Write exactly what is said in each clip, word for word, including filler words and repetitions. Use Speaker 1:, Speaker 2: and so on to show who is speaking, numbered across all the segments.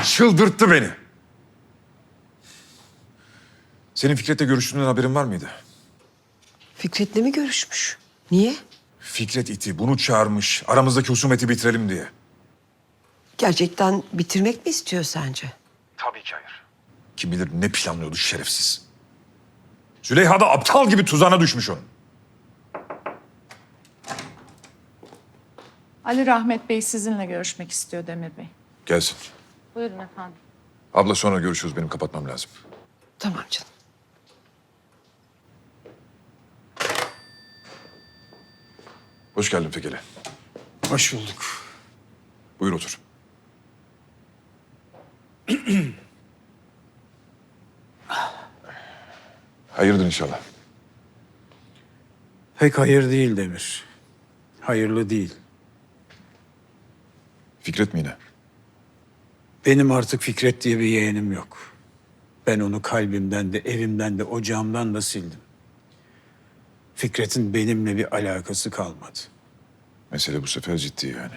Speaker 1: Çıldırttı beni. Senin Fikret'le görüştüğünden haberin var mıydı?
Speaker 2: Fikret'le mi görüşmüş? Niye?
Speaker 1: Fikret iti bunu çağırmış. Aramızdaki husumeti bitirelim diye.
Speaker 2: Gerçekten bitirmek mi istiyor sence?
Speaker 1: Tabii ki hayır. Kim bilir ne planlıyordu şerefsiz. Züleyha da aptal gibi tuzağına düşmüş onun.
Speaker 3: Ali Rahmet Bey sizinle görüşmek istiyor Demir Bey.
Speaker 1: Gelsin.
Speaker 3: Buyurun efendim.
Speaker 1: Abla sonra görüşürüz. Benim kapatmam lazım.
Speaker 2: Tamam canım.
Speaker 1: Hoş geldin Fekeli.
Speaker 4: Hoş bulduk.
Speaker 1: Buyur otur. Hayırdır inşallah.
Speaker 4: Pek hayır değil Demir. Hayırlı değil.
Speaker 1: Fikret mi yine?
Speaker 4: Benim artık Fikret diye bir yeğenim yok. Ben onu kalbimden de, evimden de, ocağımdan da sildim. Fikret'in benimle bir alakası kalmadı.
Speaker 1: Mesele bu sefer ciddi yani.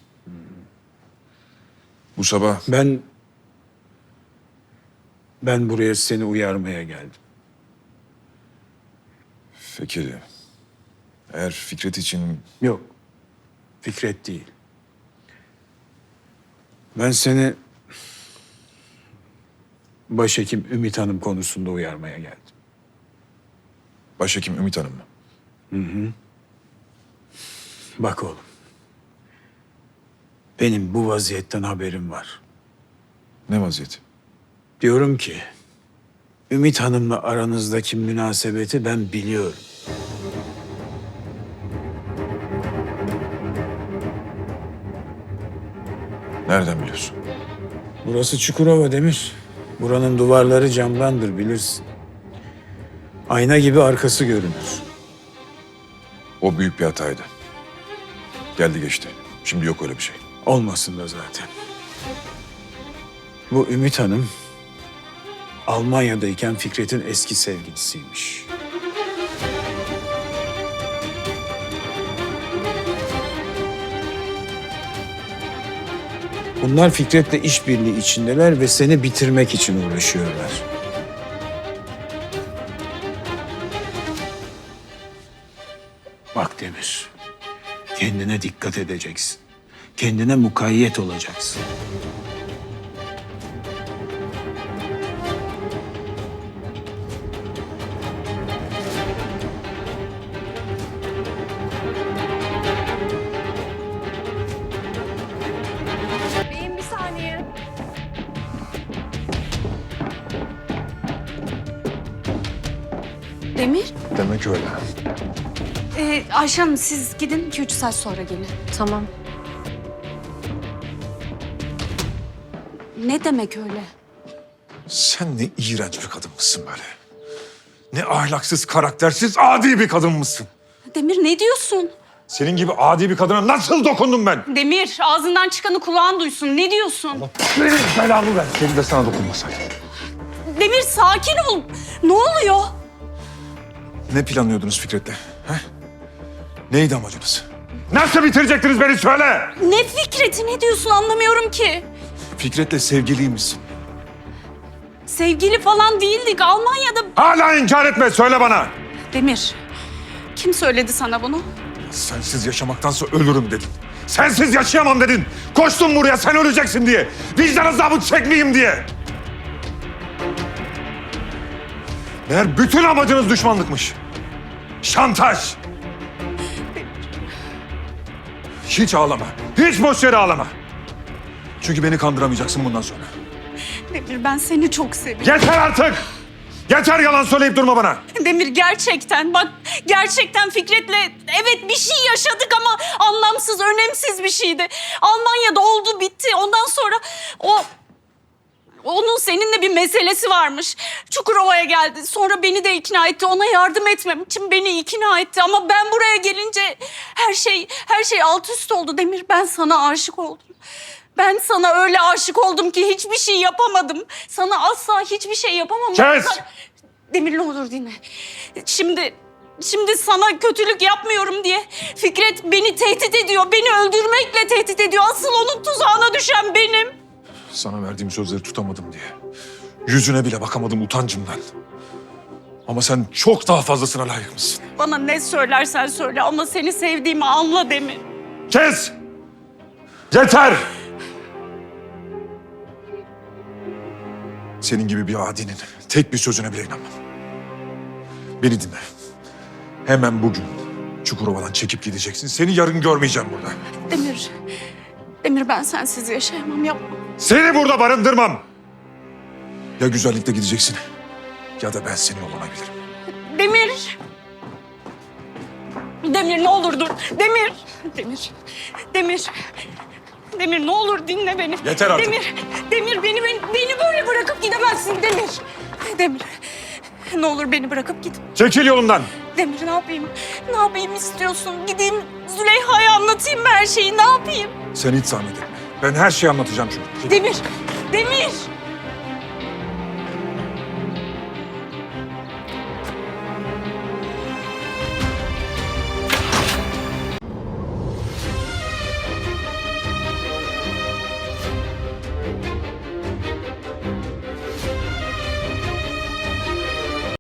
Speaker 1: Bu sabah
Speaker 4: Ben... Ben buraya seni uyarmaya geldim.
Speaker 1: Fekeli, eğer Fikret için
Speaker 4: Yok. Fikret değil. Ben seni... Başhekim Ümit Hanım konusunda uyarmaya geldim.
Speaker 1: başhekim Ümit Hanım mı?
Speaker 4: Bak oğlum. Benim bu vaziyetten haberim var.
Speaker 1: Ne vaziyeti?
Speaker 4: Diyorum ki, Ümit Hanım'la aranızdaki münasebeti ben biliyorum.
Speaker 1: Nereden biliyorsun?
Speaker 4: Burası Çukurova Demir. Buranın duvarları camdandır bilirsin. Ayna gibi arkası görünür.
Speaker 1: O büyük bir hataydı. Geldi geçti. Şimdi yok öyle bir şey.
Speaker 4: Olmasın da zaten. Bu Ümit Hanım, Almanya'dayken Fikret'in eski sevgilisiymiş. Bunlar Fikret'le işbirliği içindeler ve seni bitirmek için uğraşıyorlar. Bak Demir, kendine dikkat edeceksin. Kendine mukayyet olacaksın.
Speaker 5: Beyim bir saniye. Demir,
Speaker 1: Demek öyle.
Speaker 5: e, Ayşe Hanım siz gidin iki üç saat sonra gelin.
Speaker 6: Tamam.
Speaker 5: Ne demek öyle?
Speaker 1: Sen ne iğrenç bir kadın mısın böyle? Ne ahlaksız, karaktersiz, adi bir kadın mısın?
Speaker 5: Demir ne diyorsun?
Speaker 1: Senin gibi adi bir kadına nasıl dokundum ben?
Speaker 5: Demir ağzından çıkanı kulağın duysun. Ne diyorsun?
Speaker 1: Benim belamı ver. Senin de sana dokunmasaydım.
Speaker 5: Demir sakin ol. Ne oluyor?
Speaker 1: Ne planlıyordunuz Fikret'le? He? Neydi amacınız? Nasıl bitirecektiniz beni söyle!
Speaker 5: Ne Fikret'i ne diyorsun anlamıyorum ki.
Speaker 1: Fikret'le sevgiliymişsin.
Speaker 5: Sevgili falan değildik Almanya'da.
Speaker 1: Hala inkar etme, söyle bana!
Speaker 5: Demir kim söyledi sana bunu?
Speaker 1: Sensiz yaşamaktansa ölürüm dedin. Sensiz yaşayamam dedin. Koştum buraya sen öleceksin diye. Vicdan azabı çekmeyeyim diye. Meğer bütün amacınız düşmanlıkmış. Şantaj. Hiç ağlama. Hiç boş yere ağlama. Çünkü beni kandıramayacaksın bundan sonra.
Speaker 5: Demir ben seni çok seviyorum.
Speaker 1: Yeter artık! Yeter yalan söyleyip durma bana.
Speaker 5: Demir gerçekten bak gerçekten Fikret'le evet bir şey yaşadık ama anlamsız, önemsiz bir şeydi. Almanya'da oldu bitti. Ondan sonra o onun seninle bir meselesi varmış. Çukurova'ya geldi. Sonra beni de ikna etti. Ona yardım etmem için beni ikna etti. Ama ben buraya gelince her şey her şey alt üst oldu. Demir ben sana aşık oldum. Ben sana öyle aşık oldum ki hiçbir şey yapamadım. Sana asla hiçbir şey yapamam.
Speaker 1: Kes!
Speaker 5: Demir ne olur dinle. Şimdi şimdi sana kötülük yapmıyorum diye Fikret beni tehdit ediyor. Beni öldürmekle tehdit ediyor. Asıl onun tuzağına düşen benim.
Speaker 1: Sana verdiğim sözleri tutamadım diye. Yüzüne bile bakamadım utancımdan. Ama sen çok daha fazlasına layıkmışsın.
Speaker 5: Bana ne söylersen söyle ama seni sevdiğimi anla Demir.
Speaker 1: Kes! Yeter! Senin gibi bir adinin tek bir sözüne bile inanmam. Beni dinle. Hemen bugün Çukurova'dan çekip gideceksin. Seni yarın görmeyeceğim burada.
Speaker 5: Demir, Demir ben sensiz yaşayamam, yapma.
Speaker 1: Seni burada barındırmam. Ya güzellikle gideceksin ya da ben seni yollanabilirim.
Speaker 5: Demir! Demir ne olur dur. Demir! Demir! Demir! Demir ne olur dinle beni.
Speaker 1: Yeter artık.
Speaker 5: Demir! Demir beni, beni, beni böyle bırakıp gidemezsin Demir. Demir! Ne olur beni bırakıp git.
Speaker 1: Çekil yolumdan.
Speaker 5: Demir ne yapayım? Ne yapayım istiyorsun? Gideyim Züleyha'ya anlatayım mı her şeyi? Ne yapayım?
Speaker 1: Sen hiç zahmet etme. Ben her şeyi anlatacağım çünkü.
Speaker 5: Demir! Demir!